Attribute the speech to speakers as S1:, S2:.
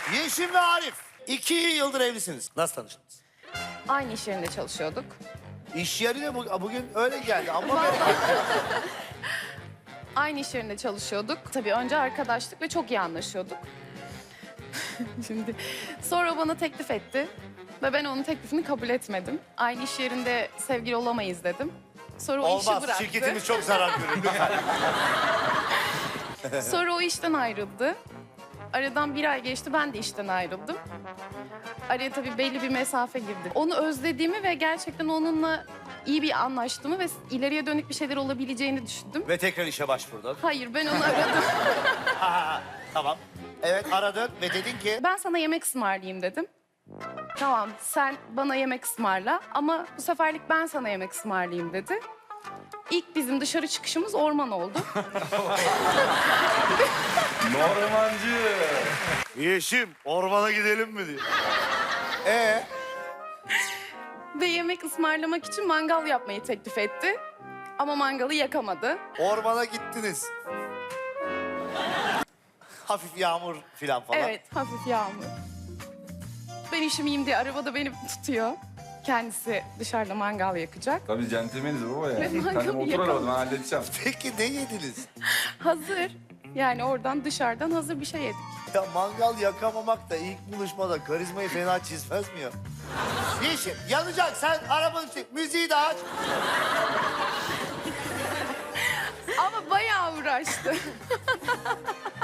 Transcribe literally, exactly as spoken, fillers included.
S1: Yeşim ve Arif. İki yıldır evlisiniz. Nasıl tanıştınız?
S2: Aynı iş yerinde çalışıyorduk.
S1: İş yerine bu- bugün öyle geldi ama bereket.
S2: Aynı iş yerinde çalışıyorduk. Tabii önce arkadaşlık ve çok iyi anlaşıyorduk. Şimdi sonra bana teklif etti ve ben onun teklifini kabul etmedim. Aynı iş yerinde sevgili olamayız dedim. Sonra o işi
S1: Olmaz.
S2: bıraktı.
S1: Şirketimiz çok zarar görür. Lütfen.
S2: Sonra o işten ayrıldı. Aradan bir ay geçti, ben de işten ayrıldım. Araya tabii belli bir mesafe girdi. Onu özlediğimi ve gerçekten onunla iyi bir anlaştığımı ve ileriye dönük bir şeyler olabileceğini düşündüm.
S1: Ve tekrar işe başvurdun.
S2: Hayır, ben onu aradım.
S1: Ha, tamam. Evet aradın ve dedin ki...
S2: Ben sana yemek ısmarlayayım dedim. Tamam, sen bana yemek ısmarla ama bu seferlik ben sana yemek ısmarlayayım dedi. İlk bizim dışarı çıkışımız orman oldu.
S3: Ormancı.
S1: Yeşim ormana gidelim mi diyor. Ee,
S2: Ve yemek ısmarlamak için mangal yapmayı teklif etti. Ama mangalı yakamadı.
S1: ormana gittiniz. Hafif yağmur filan falan.
S2: Evet, hafif yağmur. Ben üşümeyeyim diye arabada beni tutuyor. Kendisi dışarıda mangal yakacak.
S3: Tabii centilmeniz baba ya.
S2: Ve
S3: Sen
S2: mangalı
S3: otur
S2: yakalım.
S3: arabada ben halledeceğim.
S1: Peki ne yediniz?
S2: Hazır. Yani oradan dışarıdan hazır bir şey yedik.
S1: Ya mangal yakamamak da ilk buluşmada karizmayı fena çizmez mi ya? Yeşim yanacak sen arabanı çek müziği de aç.
S2: Ama bayağı uğraştı.